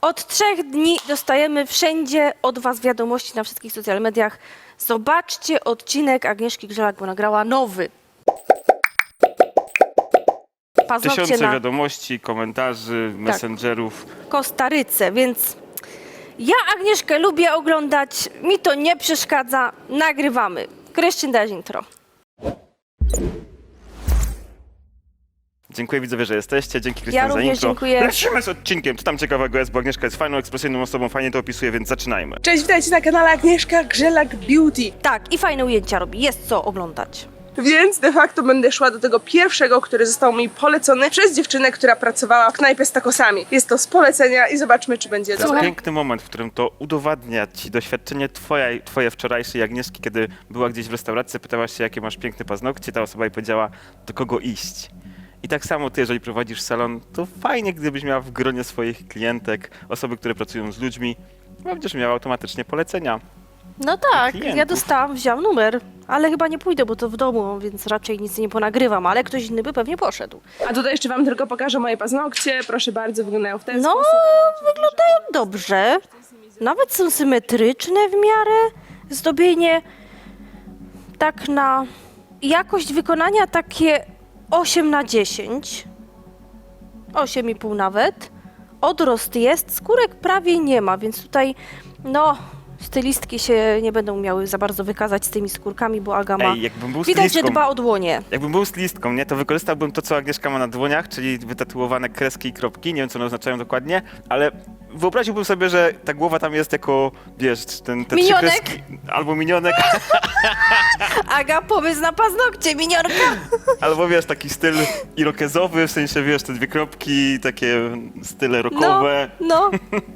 Od 3 dni dostajemy wszędzie od was wiadomości na wszystkich social mediach. Zobaczcie odcinek Agnieszki Grzelak, bo nagrała nowy. Paznokcie Tysiące na wiadomości, komentarzy, messengerów. Kostaryce, więc ja Agnieszkę lubię oglądać, mi to nie przeszkadza, nagrywamy. Kryszczyn, daj intro. Dziękuję widzowie, że jesteście. Dzięki Krystian za również intro. dziękuję. Lecimy z odcinkiem. Co tam ciekawego jest, bo Agnieszka jest fajną, ekspresyjną osobą, fajnie to opisuje, więc zaczynajmy. Cześć, witajcie na kanale Agnieszka Grzelak Beauty. Tak, i fajne ujęcia robi, jest co oglądać. Więc de facto będę szła do tego pierwszego, który został mi polecony przez dziewczynę, która pracowała w knajpie z tacosami. Jest to z polecenia i zobaczmy, czy będzie To jest dobre. piękny moment, w którym to udowadnia ci doświadczenie twoje wczorajszej Agnieszki, kiedy była gdzieś w restauracji, pytałaś się, jakie masz piękne paznokcie, ta osoba jej powiedziała, do kogo iść. I tak samo ty, jeżeli prowadzisz salon, to fajnie, gdybyś miała w gronie swoich klientek, osoby, które pracują z ludźmi, będziesz miała automatycznie polecenia. No tak, klientów. ja dostałam, wziąłam numer, ale chyba nie pójdę, bo to w domu, więc raczej nic nie ponagrywam, ale ktoś inny by pewnie poszedł. A tutaj jeszcze wam tylko pokażę moje paznokcie. Proszę bardzo, wyglądają w ten No, sposób. wyglądają dobrze, nawet są symetryczne w miarę, zdobienie tak na jakość wykonania takie 8/10, 8,5 nawet, odrost jest, skórek prawie nie ma, więc tutaj no stylistki się nie będą miały za bardzo wykazać z tymi skórkami, bo Aga ma, Ej, jakbym był widać, że stylistką, dba o dłonie. jakbym był stylistką, nie, to wykorzystałbym to, co Agnieszka ma na dłoniach, czyli wytatuowane kreski i kropki, nie wiem, co one oznaczają dokładnie, ale wyobraziłbym sobie, że ta głowa tam jest jako, wiesz, te trzy Minionek? kreski, albo minionek, Aga, pomysł na paznokcie, miniorka! albo wiesz, taki styl irokezowy, w sensie, wiesz, te dwie kropki, takie style rockowe. No,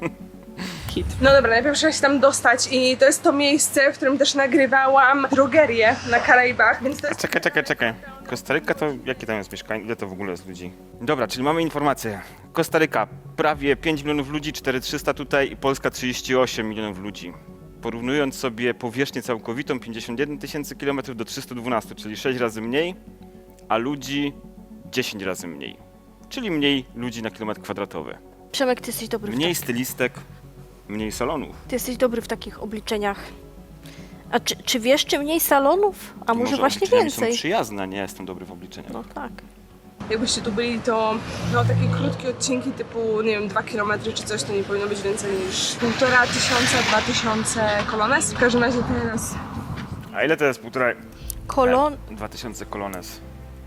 No dobra, najpierw trzeba się tam dostać i to jest to miejsce, w którym też nagrywałam drogerię na Karaibach, więc to jest... Czekaj. Kostaryka to jakie tam jest mieszkań? Ile to w ogóle jest ludzi? Dobra, czyli mamy informację. Kostaryka prawie 5 milionów ludzi, 4300 tutaj i Polska 38 milionów ludzi. Porównując sobie powierzchnię całkowitą 51 tysięcy kilometrów do 312, czyli 6 razy mniej, a ludzi 10 razy mniej. Czyli mniej ludzi na kilometr kwadratowy. Przemek, ty jesteś dobry Mniej stylistek, mniej salonów. Ty jesteś dobry w takich obliczeniach. A czy wiesz, czy mniej salonów? A może właśnie obliczenia mi więcej? są przyjazne, nie jestem dobry w obliczeniach. No tak. Jakbyście tu byli, to no, takie krótkie odcinki typu, nie wiem, 2 km czy coś, to nie powinno być więcej niż 1500, 2000 kolones. W każdym razie teraz A ile to jest półtora? Kolon 2000 kolones.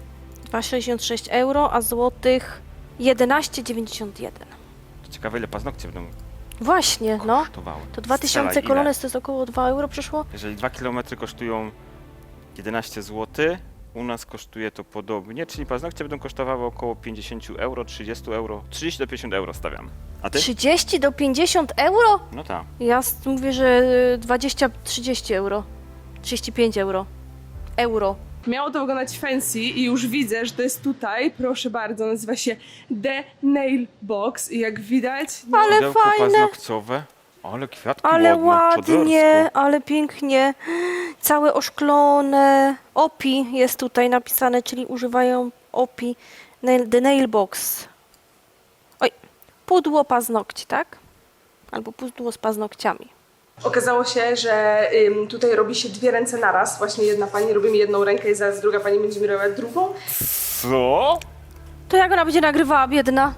2,66 euro, a złotych 11,91. Ciekawe, ile paznokcie będą Właśnie, no. kosztowały. To 2000 Strzelaj, ile? kolones to jest około 2 euro przeszło? Jeżeli 2 km kosztują 11 zł, u nas kosztuje to podobnie, czyli paznokcie będą kosztowały około 50 euro, 30 euro, 30 do 50 euro stawiam. A ty? 30 do 50 euro? No tak. Ja mówię, że 20-30 euro. 35 euro. Euro. miało to wyglądać fancy i już widzę, że to jest tutaj, proszę bardzo, nazywa się The Nail Box i jak widać... No, Ale Pudełko fajne. paznokcowe. Ale kwiatki Ale ładne, ładnie, ale pięknie. Całe oszklone. OPI jest tutaj napisane, czyli używają OPI. The Nail Box. Oj, pudło paznokci, tak? Albo pudło z paznokciami. Okazało się, że tutaj robi się 2 ręce naraz. Właśnie jedna pani robi mi jedną rękę i zaraz druga pani będzie mi robiła drugą. Co? To jak ona będzie nagrywała, biedna?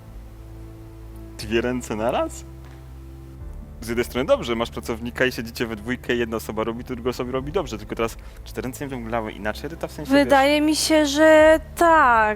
2 ręce naraz? Z jednej strony dobrze, masz pracownika i siedzicie we dwójkę, jedna osoba robi, to druga osoba robi dobrze, tylko teraz 4 ręce nie wyglądały inaczej, Edyta, w sensie, Wydaje mi się, że tak.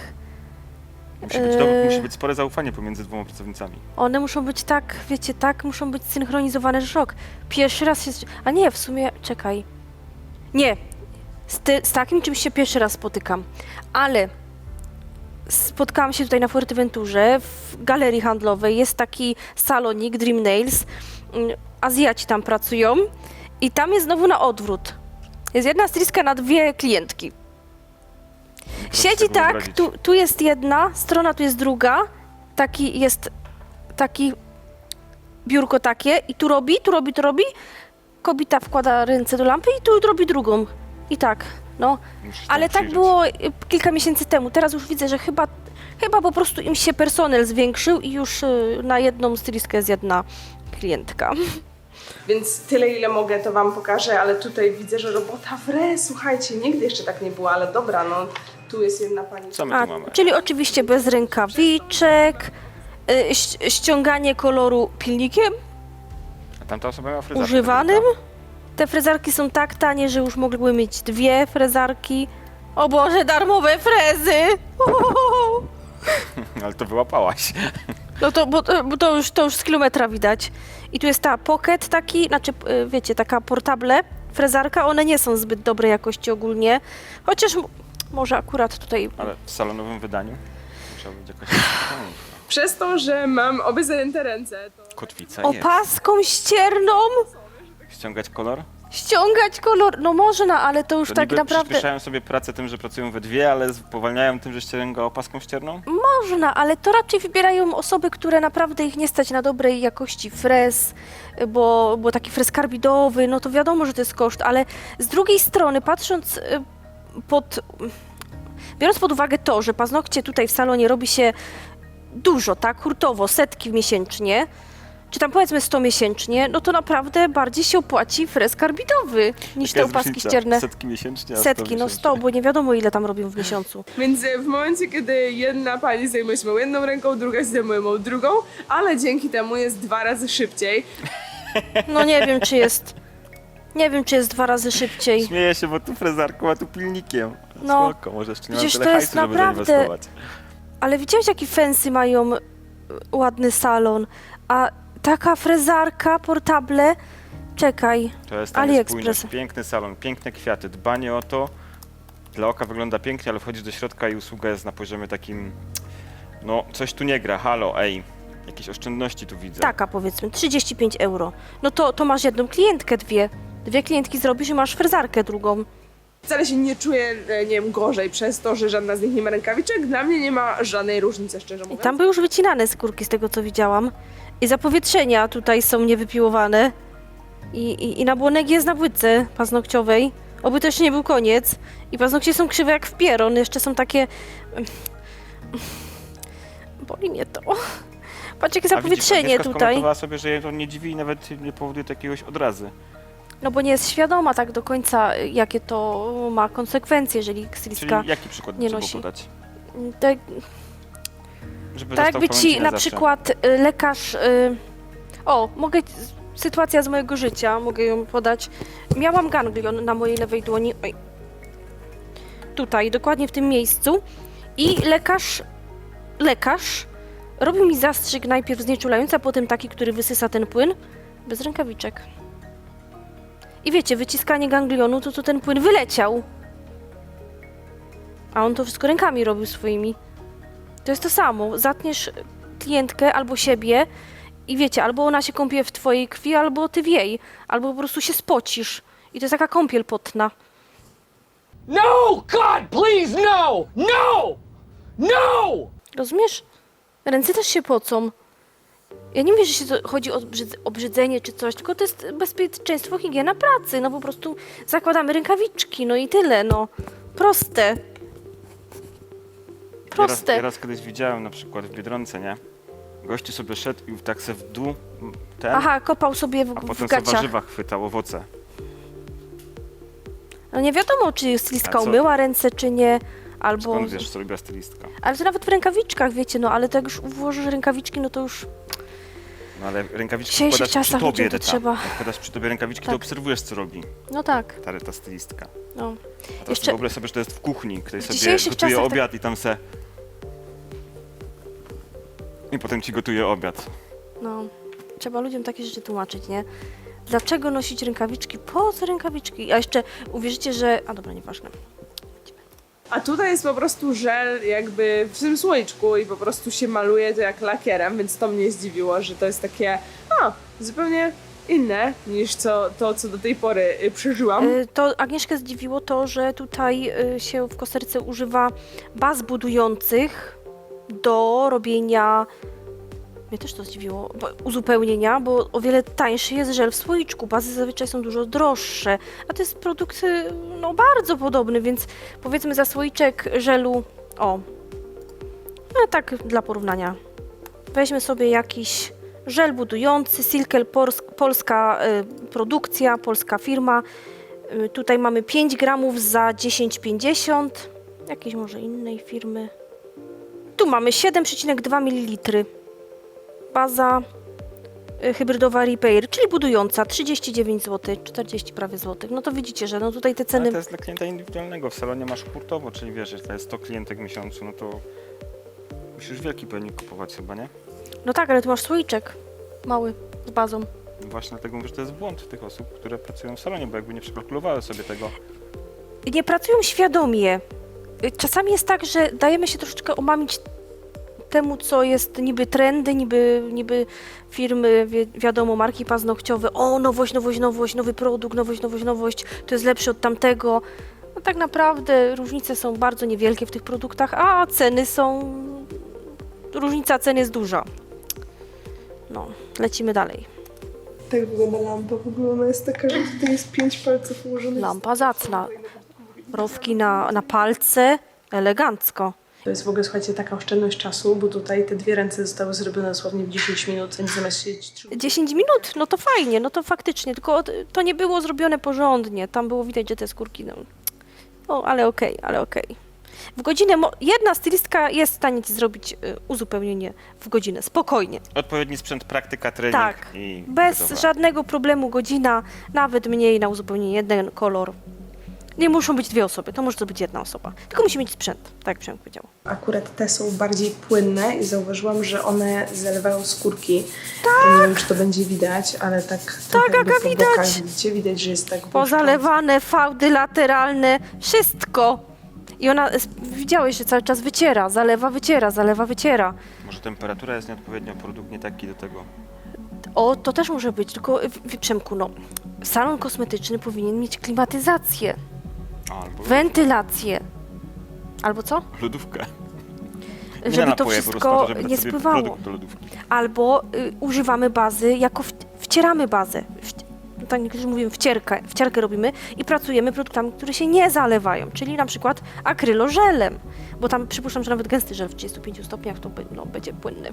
musi być spore zaufanie pomiędzy 2 pracownicami. One muszą być tak, wiecie, tak muszą być synchronizowane, że szok. Pierwszy raz jest... A nie, w sumie, czekaj. Nie, z takim czymś się pierwszy raz spotykam. Ale spotkałam się tutaj na Fuerteventurze, w galerii handlowej. Jest taki salonik, Dream Nails. Azjaci tam pracują i tam jest znowu na odwrót. Jest jedna stylistka na 2 klientki. Siedzi sobie tak, wyobrazić. tu jest jedna strona, tu jest druga. Taki jest, taki biurko takie i tu robi. Kobieta wkłada ręce do lampy i tu robi drugą. I tak, no. Musisz Ale temu tak przyjrzeć. było kilka miesięcy temu. Teraz już widzę, że chyba Chyba po prostu im się personel zwiększył i już na jedną stylistkę jest jedna klientka. Więc tyle, ile mogę, to wam pokażę, ale tutaj widzę, że robota wre, słuchajcie, nigdy jeszcze tak nie było, ale dobra, no tu jest jedna pani. Co my tu mamy? Czyli oczywiście bez rękawiczek, ściąganie koloru pilnikiem A tamta osoba miała fryzarkę. używanym. Te frezarki są tak tanie, że już mogłyby mieć 2 frezarki. O Boże, darmowe frezy! Uhuhu. Ale to wyłapałaś. No to, bo to już z kilometra widać. I tu jest ta pocket taki, znaczy wiecie, taka portable frezarka. One nie są zbyt dobrej jakości ogólnie. Chociaż może akurat tutaj... Ale w salonowym wydaniu musiała być jakaś Przez to, że mam obie zajęte ręce, to... kotwica jest. Opaską ścierną Ściągać kolor? ściągać kolor. No można, ale to już To tak niby naprawdę... przyspieszają sobie pracę tym, że pracują we dwie, ale spowalniają tym, że ściąga opaską ścierną? Można, ale to raczej wybierają osoby, które naprawdę ich nie stać na dobrej jakości frez, bo taki frez karbidowy, no to wiadomo, że to jest koszt, ale z drugiej strony patrząc biorąc pod uwagę to, że paznokcie tutaj w salonie robi się dużo, tak, hurtowo, setki miesięcznie, czy tam powiedzmy 100 miesięcznie, no to naprawdę bardziej się opłaci frez karbidowy niż Jaka te jest opaski różnica? ścierne. Setki miesięcznie, a 100 Setki, no 100, bo nie wiadomo ile tam robią w miesiącu. Więc w momencie, kiedy jedna pani zajmuje się moją jedną ręką, druga się zajmuje moją drugą, ale dzięki temu jest 2 razy szybciej. No nie wiem, czy jest 2 razy szybciej. Śmieję się, bo tu frezarką, a tu pilnikiem. No, Spoko, może jeszcze nie mam przecież tyle to hajsu, jest żeby naprawdę- zainwestować. Ale widziałeś, jaki fancy mają ładny salon, a taka frezarka, portable, czekaj, To jest tam AliExpress. spójność. Piękny salon, piękne kwiaty, dbanie o to. Dla oka wygląda pięknie, ale wchodzisz do środka i usługa jest na poziomie takim... No, coś tu nie gra, halo, ej. Jakieś oszczędności tu widzę. taka powiedzmy, 35 euro. No to masz jedną klientkę, dwie klientki zrobisz i masz frezarkę drugą. Wcale się nie czuję, nie wiem, gorzej przez to, że żadna z nich nie ma rękawiczek. Dla mnie nie ma żadnej różnicy, szczerze I mówiąc. tam były już wycinane skórki z tego, co widziałam. I zapowietrzenia tutaj są niewypiłowane. I nabłonek jest na płytce paznokciowej. Oby to jeszcze nie był koniec. I paznokcie są krzywe jak w pieron. Jeszcze są takie... Boli mnie to. Patrz, jakie A widzisz, zapowietrzenie Agnieszka tutaj. skomentowała sobie, że jej to nie dziwi i nawet nie powoduje to jakiegoś odrazy. No bo nie jest świadoma tak do końca, jakie to ma konsekwencje, jeżeli stylistka... Czyli jaki przykład nie trzeba nosi. podać? Tak, Żeby tak został jakby w pamięci ci na zawsze. przykład lekarz... O, mogę... Sytuacja z mojego życia, mogę ją podać. Miałam ganglion na mojej lewej dłoni. Oj. Tutaj, dokładnie w tym miejscu. I lekarz robił mi zastrzyk najpierw znieczulający, a potem taki, który wysysa ten płyn. Bez rękawiczek. I wiecie, wyciskanie ganglionu, to ten płyn wyleciał. A on to wszystko rękami robił swoimi. To jest to samo. Zatniesz klientkę albo siebie i wiecie, albo ona się kąpie w twojej krwi, albo ty w jej. Albo po prostu się spocisz. I to jest taka kąpiel potna. No! God, please, no! No! No! Rozumiesz? Ręce też się pocą. Ja nie mówię, że się chodzi o obrzydzenie czy coś, tylko to jest bezpieczeństwo, higiena pracy. No po prostu zakładamy rękawiczki, no i tyle, no. Proste. Proste. Ja raz kiedyś widziałem na przykład w Biedronce, nie? Gościu sobie szedł i tak se w dół Aha, kopał sobie a w potem sobie gaciach. warzywa chwytał, owoce. No nie wiadomo, czy stylistka A co? umyła ręce, czy nie, albo... Skąd wiesz, co robiła stylistka? Ale to nawet w rękawiczkach, wiecie, no ale to jak już włożysz rękawiczki, no to już... No ale rękawiczki W dzisiejszych wkładasz przy czasach tobie, ludziom to Reta. trzeba. Jak wkładasz przy tobie rękawiczki, to Tak. obserwujesz, co robi No tak, ta stylistka. no. A teraz Jeszcze- wyobraź sobie, że to jest w kuchni, ktoś W sobie dzisiejszych gotuje czasach tak- obiad i tam se... I potem ci gotuje obiad. No, trzeba ludziom takie rzeczy tłumaczyć, nie? Dlaczego nosić rękawiczki? Po co rękawiczki? A jeszcze uwierzycie, że... A dobra, nieważne. A tutaj jest po prostu żel jakby w tym słoiczku i po prostu się maluje to jak lakierem, więc to mnie zdziwiło, że to jest takie zupełnie inne niż to, co do tej pory przeżyłam. To Agnieszkę zdziwiło to, że tutaj się w Kostaryce używa baz budujących do robienia... Mnie też to zdziwiło, uzupełnienia, bo o wiele tańszy jest żel w słoiczku. Bazy zazwyczaj są dużo droższe, a to jest produkt no bardzo podobny, więc powiedzmy za słoiczek żelu, No tak dla porównania. Weźmy sobie jakiś żel budujący, Silkel, polska produkcja, polska firma. Tutaj mamy 5 gramów za 10,50. Jakiejś może innej firmy. Tu mamy 7,2 ml. Baza hybrydowa Repair, czyli budująca 39 zł, 40 prawie złotych. No to widzicie, że no tutaj te Ale ceny... to jest dla klienta indywidualnego. W salonie masz hurtowo, czyli wiesz, że to jest 100 klientek w miesiącu, no to musisz wielki pojemnik kupować chyba, nie? No tak, ale tu masz słoiczek mały z bazą. Właśnie dlatego mówię, że to jest błąd tych osób, które pracują w salonie, bo jakby nie przekalkulowały sobie tego. I nie pracują świadomie. Czasami jest tak, że dajemy się troszeczkę omamić temu, co jest niby trendy, niby firmy, wiadomo, marki paznokciowe. O, nowość, nowość, nowość, nowy produkt, nowość, nowość, nowość, to jest lepszy od tamtego. No tak naprawdę różnice są bardzo niewielkie w tych produktach, a ceny są... Różnica cen jest duża. No, lecimy dalej. Tak wygląda lampa. W ogóle ona jest taka, że tutaj jest 5 palców ułożonych. Lampa zacna. Rowki na palce, elegancko. To jest w ogóle, słuchajcie, taka oszczędność czasu, bo tutaj te 2 ręce zostały zrobione dosłownie w 10 minut, więc zamiast siedzieć 3 10 minut? No to fajnie, no to faktycznie, tylko to nie było zrobione porządnie. Tam było widać, że te skórki, no... O, ale okej, ale okej. W godzinę, jedna stylistka jest w stanie ci zrobić uzupełnienie w godzinę, spokojnie. Odpowiedni sprzęt, praktyka, trening Tak, i bez gotowe. żadnego problemu godzina, nawet mniej na uzupełnienie, jeden kolor. Nie muszą być 2 osoby, to może to być 1 osoba. Tylko musi mieć sprzęt, tak jak Przemek powiedział. Akurat te są bardziej płynne i zauważyłam, że one zalewają skórki. Tak. Nie wiem, czy to będzie widać, ale tak trochę jakby Aga, po widać. bokach widzicie, widać, że jest tak błyszczące. Pozalewane, fałdy lateralne, wszystko. I ona, widziałeś, że cały czas wyciera, zalewa, wyciera. Może temperatura jest nieodpowiednia, produkt nie taki do tego. O, to też może być, tylko Przemku, no, salon kosmetyczny powinien mieć klimatyzację, Albo wentylację. Albo co? lodówkę. Nie Żeby na to napoje, po prostu wszystko to, żeby dać nie sobie spływało. produkt do lodówki. Albo używamy bazy, jako wcieramy bazę. Tak niektórzy mówią wcierkę robimy i pracujemy produktami, które się nie zalewają, czyli na przykład akrylożelem, bo tam przypuszczam, że nawet gęsty żel w 35 stopniach to będzie płynny.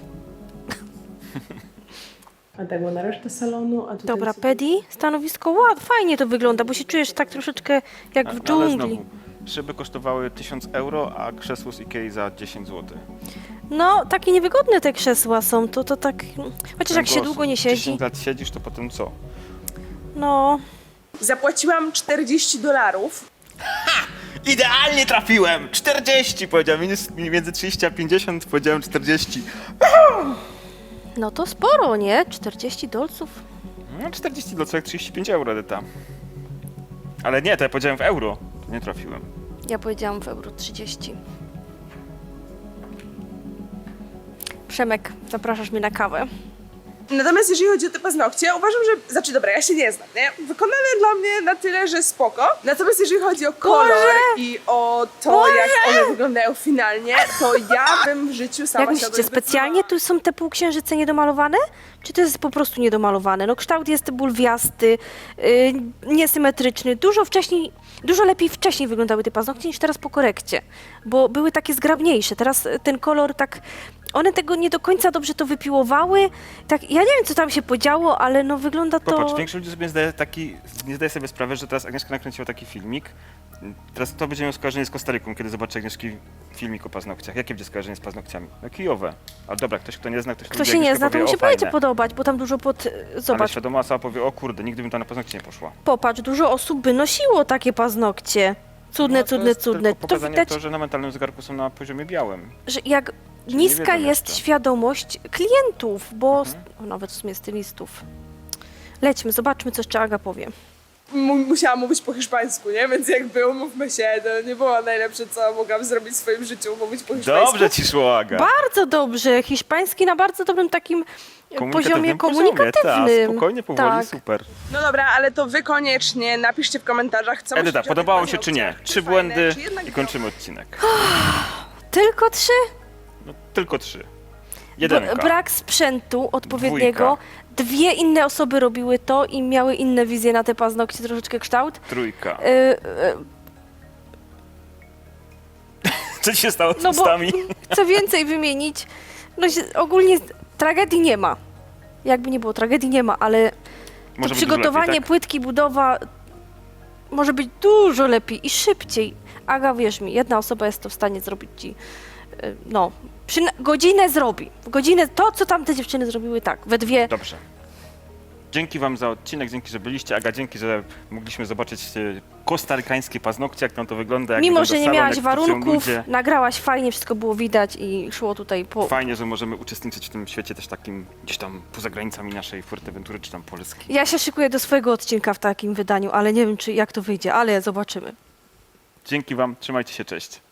A tak była resztę salonu, a tutaj Dobra, sobie- Pedi, stanowisko, fajnie to wygląda, bo się czujesz tak troszeczkę jak w Ale dżungli. znowu, szyby kosztowały 1000 euro, a krzesło z Ikei za 10 zł. No, takie niewygodne te krzesła są, to tak, chociaż jak się długo nie siedzi, 10 lat siedzisz, to potem co? no, Zapłaciłam $40. Idealnie trafiłem! 40! Powiedziałem między 30 a 50, powiedziałem 40. no to sporo, nie? 40 dolców. No 40 do co jak 35 euro, Edyta. Ale nie, to ja powiedziałem w euro. To nie trafiłem. Ja powiedziałam w euro 30. Przemek, zapraszasz mnie na kawę. Natomiast jeżeli chodzi o te paznokcie, uważam, że... Znaczy, dobra, ja się nie znam, nie? Wykonane dla mnie na tyle, że spoko. Natomiast jeżeli chodzi o kolor i o to, jak one wyglądają finalnie, to ja bym w życiu sama Jak myślicie, specjalnie tu są te półksiężyce niedomalowane? Czy to jest po prostu niedomalowane? No kształt jest bulwiasty, niesymetryczny. Dużo lepiej wcześniej wyglądały te paznokcie niż teraz po korekcie, bo były takie zgrabniejsze. Teraz ten kolor tak... One tego nie do końca dobrze to wypiłowały. Tak, ja nie wiem, co tam się podziało, ale no wygląda to... Popatrz, większość ludzi sobie nie zdaje sobie sprawy, że teraz Agnieszka nakręciła taki filmik. Teraz kto będzie miał skojarzenie z Kostaryką, kiedy zobaczy Agnieszki filmik o paznokciach? Jakie będzie skojarzenie z paznokciami? No kijowe. A dobra, ktoś kto nie zna, ktoś Kto się nie zna, to mu się fajne. będzie podobać, bo tam dużo Ale Zobacz, świadoma osoba powie, o kurde, nigdy bym tam na paznokcie nie poszła. popatrz, dużo osób by nosiło takie paznokcie. Cudne, No, to cudne, jest cudne. tylko To pokazanie widać, to, że na mentalnym zegarku są na poziomie białym. że jak nie niska wiedzą jest jeszcze. świadomość klientów, bo nawet w sumie stylistów. Lećmy, zobaczmy, co jeszcze Aga powie. Musiałam mówić po hiszpańsku, nie? Więc jakby umówmy się, to nie było najlepsze, co mogłam zrobić w swoim życiu, mówić po hiszpańsku. Dobrze ci szło, Aga. Bardzo dobrze, hiszpański na bardzo dobrym takim poziomie Tak, komunikatywnym. spokojnie, powoli, Tak. super. No dobra, ale to wy koniecznie napiszcie w komentarzach, co Edyta, myślicie o tych podobało się czy nie? paznokciach. 3 fajne, błędy czy jednak i kończymy odcinek. Tylko 3? No, tylko 3. Jedynka. Brak sprzętu odpowiedniego. 2 inne osoby robiły to i miały inne wizje na te paznokcie, troszeczkę kształt. Trójka. Co ci się stało z No bo ustami? chcę więcej wymienić. No ogólnie tragedii nie ma. Jakby nie było, tragedii nie ma, ale to Może być przygotowanie dużo lepiej, tak? płytki, budowa może być dużo lepiej i szybciej. Aga, wierz mi, jedna osoba jest to w stanie zrobić ci, no, godzinę zrobi. W godzinę to, co tamte dziewczyny zrobiły, tak, we dwie. Dobrze. Dzięki wam za odcinek, dzięki, że byliście. Aga, dzięki, że mogliśmy zobaczyć kostarykańskie paznokcie, jak tam to wygląda. Jak Mimo, wygląda że nie salon, miałaś jak pracują warunków, ludzie. nagrałaś fajnie, wszystko było widać i szło tutaj po... Fajnie, że możemy uczestniczyć w tym świecie też takim gdzieś tam poza granicami naszej Fuerteventury czy tam Polski. Ja się szykuję do swojego odcinka w takim wydaniu, ale nie wiem, jak to wyjdzie, ale zobaczymy. Dzięki wam, trzymajcie się, cześć.